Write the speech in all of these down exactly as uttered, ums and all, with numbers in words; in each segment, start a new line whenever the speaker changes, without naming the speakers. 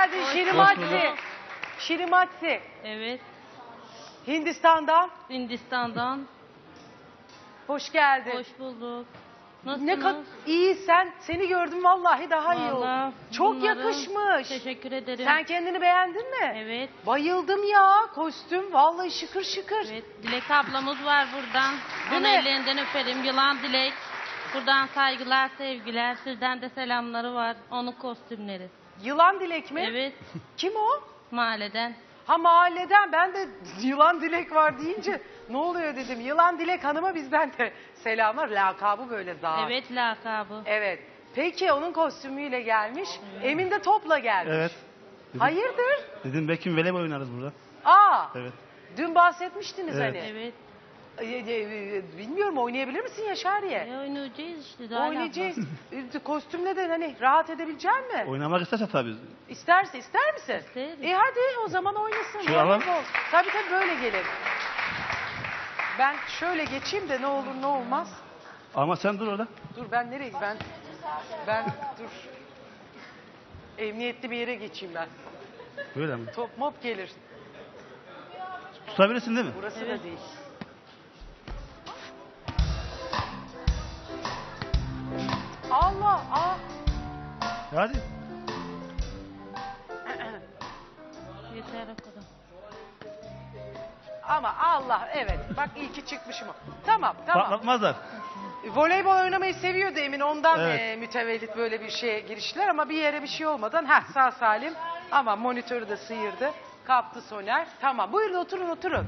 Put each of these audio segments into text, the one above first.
geldin
Hoş
Şirimatsi.
bulduk.
Şirimatsi.
Evet,
Hindistan'dan.
Hindistan'dan.
Hoş geldin.
Hoş bulduk. Nasılsınız?
Ne kadar iyi sen. Seni gördüm vallahi daha iyi oldu.
Vallahi
Çok
bunları-
yakışmış.
Teşekkür ederim.
Sen kendini beğendin mi?
Evet,
Bayıldım ya. Kostüm vallahi şıkır şıkır.
evet. Dilek ablamız var buradan.
Değil
Onun
mi?
ellerinden öperim. Yılan Dilek. Buradan saygılar, sevgiler. Sizden de selamları var. Onun kostümleri.
Yılan Dilek mi?
Evet,
Kim o?
mahalleden.
Ha mahalleden. Ben de Yılan Dilek var deyince ne oluyor dedim. Yılan Dilek Hanım'a bizden de selamlar. Lakabı böyle zaten.
Evet, lakabı.
Evet. Peki onun kostümüyle gelmiş. Emin de topla gelmiş.
Evet. Dedim,
Hayırdır?
dedim belki voleybol oynarız burada.
Aa.
Evet.
Dün bahsetmiştiniz
Evet.
hani.
Evet.
E, e, e, Bilmiyorum oynayabilir misin Yaşariye?
E, oynayacağız işte. Daha
Oynayacağız. E, Kostümle de hani rahat edebilecek mi?
Oynamak isterse tabii.
İsterse ister misin?
İsterim.
E hadi o zaman oynasın.
Şu alalım.
Voleybol. Tabii tabii böyle gelir. Ben şöyle geçeyim de ne olur ne olmaz.
Ama sen dur orada.
Dur ben nereye ben ben dur. Emniyetli bir yere geçeyim ben.
Böyle mi?
Top mop gelir.
Tutabilirsin değil mi?
Burası
Evet.
da değil. Allah ah.
Hadi.
Yeter o kadar.
Ama Allah evet bak iyi ki çıkmışım. Tamam tamam.
Patlatmazlar.
Voleybol oynamayı seviyordu Emin ondan
Evet.
e, mütevellit böyle bir şeye giriştiler ama bir yere bir şey olmadan heh, sağ salim ama monitörü de sıyırdı. Kaptı Soner. Tamam buyurun oturun oturun.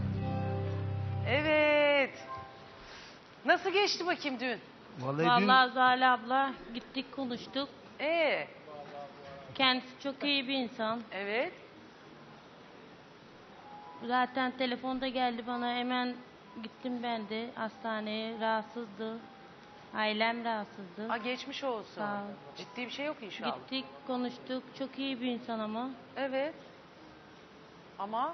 Evet. Nasıl geçti bakayım dün?
Vallahi,
Vallahi Zahra abla gittik konuştuk.
Ee,
Kendisi çok iyi bir insan.
evet.
Zaten telefonda geldi bana, hemen gittim ben de hastaneye, rahatsızdı. Ailem rahatsızdı.
Aa, geçmiş olsun.
Sağ ol.
Ciddi bir şey yok inşallah.
Gittik konuştuk, çok iyi bir insan ama.
Evet. Ama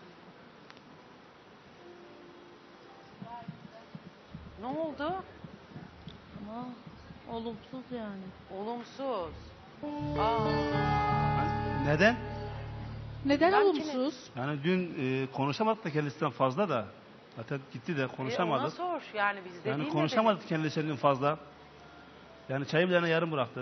ne oldu?
Ama olumsuz yani.
Olumsuz. Aa,
dün... Neden?
Neden
Ben
olumsuz?
Yani dün e, konuşamadık da kendisinden fazla da. Zaten gitti de
e, ona
konuşamadık.
sor. Yani biz de
Yani
değil
konuşamadık kendisinden fazla. Yani çayı bile yarım bıraktı.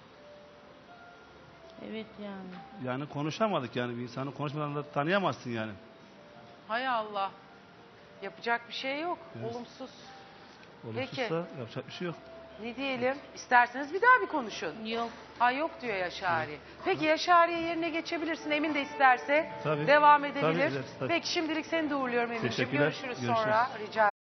Evet yani.
Yani konuşamadık yani. Bir insanı konuşmadan da tanıyamazsın yani.
Hay Allah. Yapacak bir şey yok.
Evet.
Olumsuz.
Olumsuzsa
Peki.
yapacak bir şey yok.
Ne diyelim? İsterseniz bir daha bir konuşun.
Yok.
Ha yok diyor Yaşari. Peki Yaşari'ye yerine geçebilirsin. Emin de isterse
Tabii.
devam
Tabii
edebilir.
ederiz, tabii.
Peki şimdilik seni de uğurluyorum Emin'ciğim.
Teşekkürler.
Görüşürüz
Görüşürüz.
sonra. Rica